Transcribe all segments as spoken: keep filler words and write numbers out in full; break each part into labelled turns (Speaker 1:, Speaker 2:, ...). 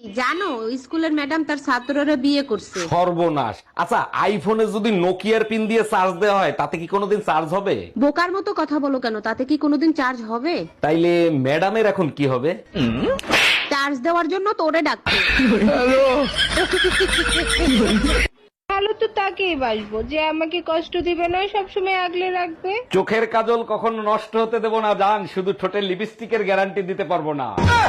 Speaker 1: জানো স্কুলের ম্যাডাম তার ছাত্ররা বিয়ে করছে।
Speaker 2: সর্বনাশ। আচ্ছা, আইফোনে যদি নোকিয়ার পিন দিয়ে চার্জ দেওয়া হয় তাতে কি কোনোদিন চার্জ হবে?
Speaker 1: বোকার মতো কথা বলো কেন, তাতে কি কোনোদিন চার্জ হবে?
Speaker 2: তাইলে ম্যাডামের এখন কি হবে?
Speaker 1: চার্জ দেওয়ার জন্য তোরে ডাকছে।
Speaker 3: ভালো তো তাকেই বাসবো যে আমাকে কষ্ট দিবে না, সবসময় আগলে রাখবে।
Speaker 2: চোখের কাজল কখনো নষ্ট হতে দেব না জান, শুধু ঠোঁটের লিপস্টিকের গ্যারান্টি দিতে পারবো না।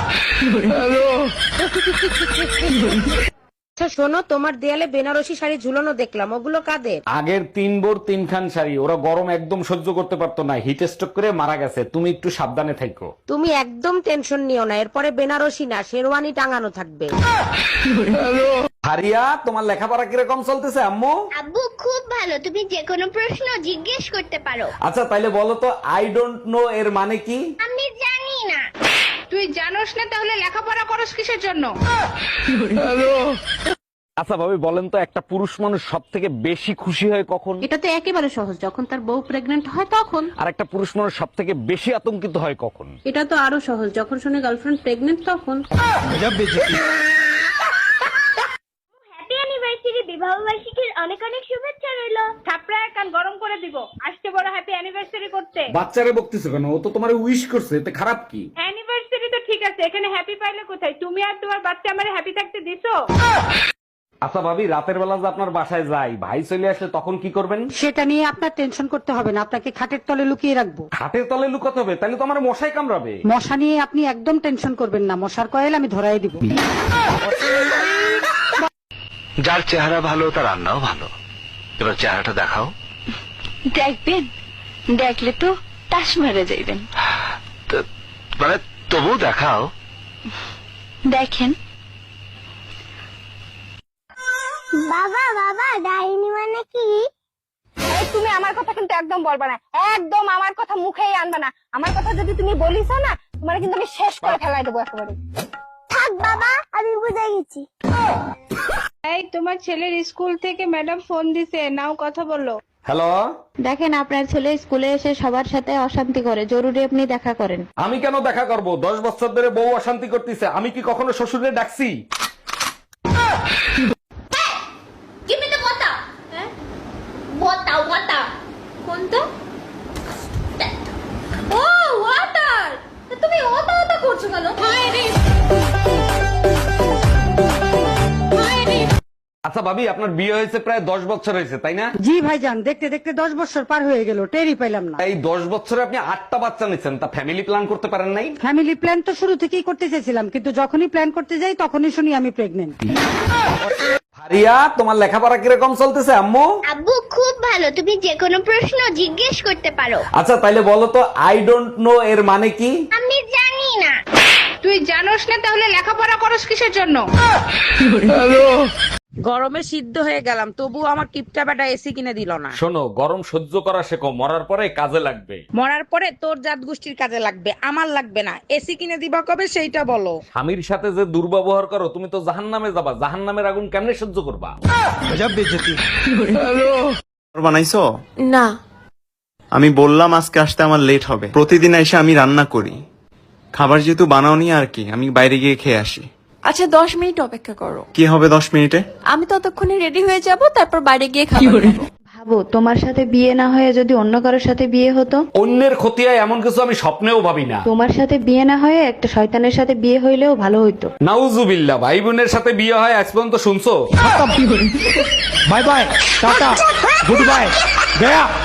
Speaker 1: আচ্ছা শোনো, তোমার দেয়ালে বেনারসি শাড়ি ঝুলানো দেখলাম, ওগুলো কাদের?
Speaker 2: আগের তিন বোর তিনখান শাড়ি, ওরা গরম একদম সহ্য করতে পারতো না, হিট স্ট্রোক করে মারা গেছে। তুমি একটু সাবধানে থাকো।
Speaker 1: তুমি একদম টেনশন নিও না, এরপরে বেনারসি না শেরওয়ানি টাঙানো থাকবে।
Speaker 2: হারিয়া, তোমার লেখাপড়া কিরকম চলতেছে আম্মু?
Speaker 4: আব্বু খুব ভালো, তুমি যে কোনো প্রশ্ন জিজ্ঞেস করতে পারো।
Speaker 2: আচ্ছা তাইলে বলো তো, আই ডোন্ট নো এর মানে কি?
Speaker 4: আমি জানি না।
Speaker 3: তুই জানোস না তাহলে লেখাপড়া করস কিসের জন্য?
Speaker 2: আচ্ছা ভাবি বলেন তো, একটা পুরুষ মানুষ সব থেকে বেশি খুশি হয় কখন?
Speaker 1: এটা তো একেবারে সহজ, যখন তার বউ প্রেগনেন্ট হয় তখন।
Speaker 2: আর একটা পুরুষ মানুষ সব থেকে বেশি আতঙ্কিত হয় কখন?
Speaker 1: এটা তো আরো সহজ, যখন শুনে গার্লফ্রেন্ড প্রেগনেন্ট তখন।
Speaker 4: হ্যাপি অ্যানিভার্সারি, বিবাহ বার্ষিকীর অনেক অনেক শুভেচ্ছা রইলো।
Speaker 3: থাপড়ায় কান গরম করে দিব, আজকে বড় হ্যাপি অ্যানিভার্সারি করতে।
Speaker 2: বাচ্চারে বকতেছো কেন? ও তো তোমার উইশ করছে, এতে খারাপ কি?
Speaker 3: অ্যানিভার্সারি তো ঠিক আছে, এখানে হ্যাপি পাইলে কোথায়? তুমি আর তোমার বাচ্চা আমারে হ্যাপি থাকতে দিছো?
Speaker 2: আচ্ছা ভাবি, রাতের বেলা যে আপনার বাসায় যাই, ভাই চলে আসলে তখন কি করবেন?
Speaker 5: সেটা নিয়ে আপনার টেনশন করতে হবে না, আপনাকে খাটের তলে লুকিয়ে রাখবো।
Speaker 2: খাটের তলে লুকাতে হবে? তাহলে তো আমার মশাই কামড়াবে।
Speaker 5: মশা নিয়ে আপনি একদম টেনশন করবেন না, মশার কয়েল আমি ধরাই দিব।
Speaker 6: যার চেহারা ভালো তার রান্নাও ভালো। এবার চেহারাটা দেখাও।
Speaker 7: দেখবেন, দেখলে তো তাস মেরে যাইবেন।
Speaker 6: তো- মানে তবু দেখাও।
Speaker 7: দেখেন,
Speaker 4: বাবা বাবা, ডাইনি মানে কি?
Speaker 3: এই তুমি আমার কথা কিন্তু একদম বলবা না, একদম আমার কথা মুখেই আনবা না। আমার কথা যদি তুমি বলিস না, তোমার কিন্তু আমি শেষ করে ফেলাই দেবো একেবারে।
Speaker 4: থাক বাবা, আমি বুঝে গেছি।
Speaker 3: এই তোমার ছেলের স্কুল থেকে ম্যাডাম ফোন দিছে, নাও কথা বলো।
Speaker 2: হ্যালো,
Speaker 8: দেখেন আপনার ছেলে স্কুলে এসে সবার সাথে অশান্তি করে, জরুরি আপনি দেখা করেন।
Speaker 2: আমি কেন দেখা করব? দশ বছর ধরে বউ অশান্তি করতেছে, আমি কি কখনো শ্বশুরে ডাকছি?
Speaker 4: Give me the water. হ্যাঁ? Water, water. কোনটা? ও, water. তুমি ওটা ওটা করছো কেন?
Speaker 2: আচ্ছা ভাবি, আপনার বিয়ে হয়েছে প্রায় দশ বছর হয়েছে তাই না?
Speaker 5: জি ভাইজান, দেখতে দেখতে দশ বছর পার হয়ে গেল, টেরই পাইলাম না।
Speaker 2: এই দশ বছরে আপনি আটটা বাচ্চা নিচ্ছেন, তা ফ্যামিলি প্ল্যান করতে পারেন নাই?
Speaker 5: ফ্যামিলি প্ল্যান তো শুরু থেকেই করতে চেয়েছিলাম, কিন্তু যখনই প্ল্যান করতে যাই তখনই শুনি আমি প্রেগনেন্ট।
Speaker 2: হারিয়া, তোমার লেখাপড়া কিরকম চলতেছে আম্মু?
Speaker 4: আব্বু খুব ভালো, তুমি যে কোনো প্রশ্ন জিজ্ঞেস করতে পারো।
Speaker 2: আচ্ছা তাইলে বলো তো, আই ডোন্ট নো এর মানে কি?
Speaker 4: আমি জানি না।
Speaker 3: তুই জানোস না তাহলে লেখাপড়া করস কিসের জন্য?
Speaker 1: গরমে সিদ্ধ হয়ে গেলাম, তবু আমার কিপটা বেটা এসি কিনে দিল না।
Speaker 2: শোনো, গরম সহ্য করা শেখো, মরার পরে কাজে লাগবে।
Speaker 1: মরার পরে তোর জাত গোষ্ঠীর কাজে লাগবে, আমার লাগবে না। এসি কিনে দিবা কবে সেইটা বলো।
Speaker 2: স্বামীর সাথে যে দুর্ব্যবহার করো, তুমি তো জাহান্নামে যাবা। জাহান্নামের আগুন কেমনে সহ্য করবা?
Speaker 9: বানাইছো?
Speaker 8: না,
Speaker 9: আমি বললাম আজকে আসতে আমার লেট হবে। প্রতিদিন এসে আমি রান্না করি, খাবার যেহেতু বানাওনি আর কি, আমি বাইরে গিয়ে খেয়ে আসি।
Speaker 8: আচ্ছা দশ মিনিট অপেক্ষা করো,
Speaker 9: কি হবে দশ মিনিটে?
Speaker 8: আমি ততক্ষণে রেডি হয়ে যাব, তারপর বাইরে গিয়ে খাবার খাবো। ভাবো তোমার সাথে বিয়ে না হয়ে যদি অন্য কারোর সাথে বিয়ে হতো।
Speaker 2: অন্যের ক্ষতি হয় এমন কিছু আমি স্বপ্নেও ভাবি না।
Speaker 8: তোমার সাথে বিয়ে না হয়ে একটা শয়তানের সাথে বিয়ে হইলেও ভালো হইতো।
Speaker 2: নাউজুবিল্লাহ, ভাই বোনের সাথে বিয়ে হয় আজ পর্যন্ত শুনছো?
Speaker 6: বাই বাই, টাটা, গুড বাই, গয়া।